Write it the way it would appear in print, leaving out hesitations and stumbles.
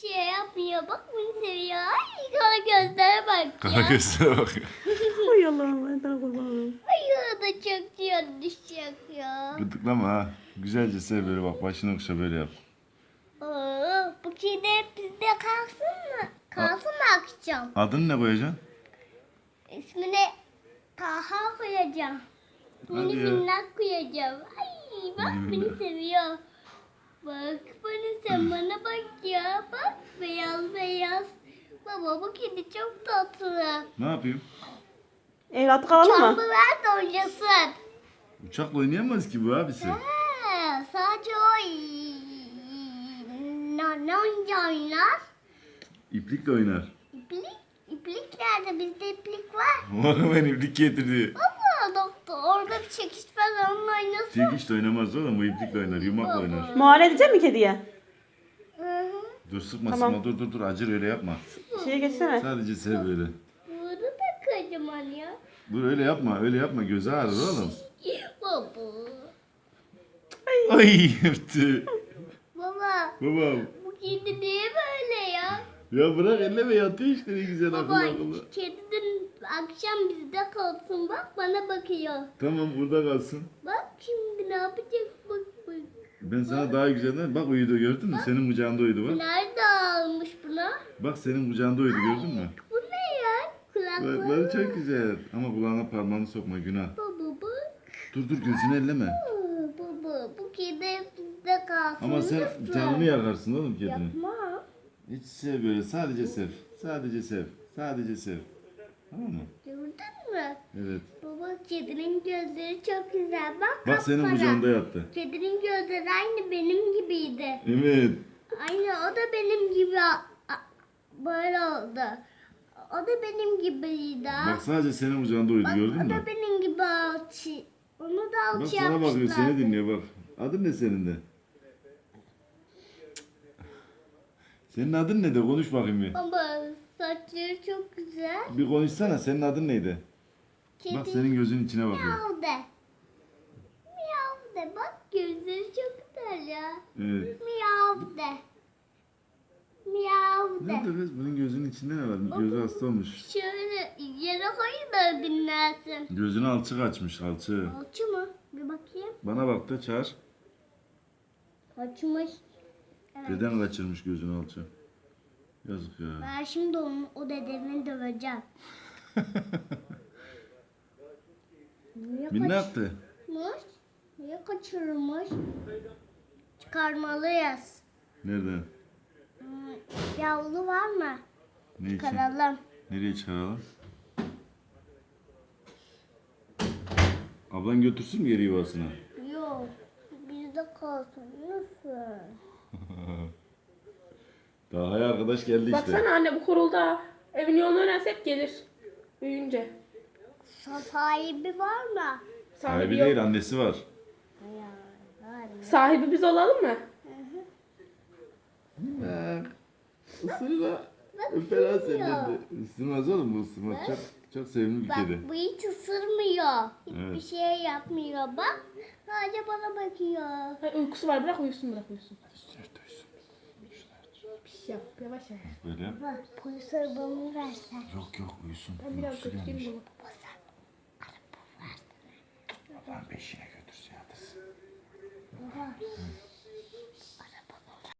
şey yapmıyor. Bak beni seviyor. Ay kara gözlere bak Kara ya. gözlere bak ya. Ay Allah'ım ben daha kurbanım. Ay o da çok düşecek ya. Gıdıklama ha. Güzelce sev böyle bak. Başını okşa böyle yap. Bu kedi hep bizde kalsın mı? Kalsın mı akşam? Adını ne koyacaksın? İsmini Taha koyacağım. Hadi Mini ya. minnak koyacağım. Ay bak Mini beni minnak. seviyor. Bak sen bana bak ya. Bak beyaz beyaz. Baba bu kedi çok tatlı. Ne yapayım? Evlat kalalım Çamlı mı? ver de oynasın. Uçakla oynayamaz ki bu abisi. Sadece o ne oynar? İplikle oynar. İplik? İplik nerede? Bizde iplik var. Oğlum ben iplik getirdi. Baba doktor orada bir çekiç falan onunla oynasın. Çekiç de oynamaz oğlum. Bu iplikle oynar. Yumakla oynar. Muayene edecek mi kediye? Hı hı. Dur sıkma Tamam. sıkma. Dur acır öyle yapma. Şeye geçsene. Sadece sev böyle. Bunu da kocaman ya. Dur öyle yapma. Öyle yapma. Gözü ağrır oğlum. Baba. Ay yaptı. Baba Babam. bu kedi niye böyle ya? Ya bırak elleme yatıyor işte ne güzel akıllı Baba akıllı. kedi dün akşam bizde kalsın bak bana bakıyor. Tamam burada kalsın. Bak şimdi ne yapacak bak bak. Ben sana daha güzelden bak uyudu gördün mü? Senin kucağında uyudu bak. Nerede almış buna? Bak senin kucağında uyudu gördün mü? Bu ne ya? Kulakları Kulakları. çok güzel. Ama kulağına parmağını sokma günah. Baba bak. Dur gözünü elleme. Baba bu kedi hep bizde kalsın. Ama sen lütfen. canını yakarsın oğlum kedinin. Yapma. Hiç sev böyle sadece sev. Sadece sev. Sadece sev. Tamam mı? Gördün mü? Evet. Baba kedinin gözleri çok güzel. Bak Bak senin kapkara. kucağında yattı. Kedinin gözleri aynı benim gibiydi. Evet. Aynı o da benim gibi böyle oldu. O da benim gibiydi. Bak sadece senin kucağında uyudu Bak, gördün o mü? da benim gibi alçı. Onu da Bak alçı sana bakıyor yapmışlar. seni dinliyor bak. Adın ne senin de? Senin adın ne de konuş bakayım bir. Ama saçları çok güzel. Bir konuşsana senin adın neydi? Kedi Bak senin gözünün içine bakıyor. miyav de. Miyav de. Bak gözleri çok güzel ya. Evet. Miyav de. Miyav de. Nerede kız? Bunun gözünün içinde ne var? Gözü hasta olmuş. Şöyle yere koyun da dinlersin. Gözünü alçık açmış alçığı. Alçı mı? Bir bakayım. Bana bak da çağır. Açmış. Evet. Deden kaçırmış gözünü alçığı. Yazık ya. Ben şimdi o dedemi döveceğim. Niye Ne yaptı? kaçırmış? Niye kaçırmış? Çıkarmalıyız. Nereden? Yavru var mı? Ne için? Çıkaralım. Nereye çıkaralım? Ablan götürsün mü geri yuvasına? Yok. Bizde kalsın. Lütfen. Daha hay arkadaş geldi işte. Baksana anne bu kurulda. Evin yolunu öğrense hep gelir. Büyüyünce. Sahibi var mı? Sahibi yok. değil annesi var. Var. Sahibi biz olalım mı? Isırma. Fena senden de. Isırmaz oğlum bu ısırmaz. Çok sevimli bir Bak kedi. bu hiç ısırmıyor. Hiçbir Evet. şey yapmıyor. Bak sadece bana bakıyor. Ay, uykusu var bırak uyusun. Piş yap yavaş yavaş. Böyle yap. Bak polis arabamı versen. Yok uyusun. Ben biraz Uykusu götüreyim gelmiş. bunu. Babam peşine götürsün yatırsın. Baba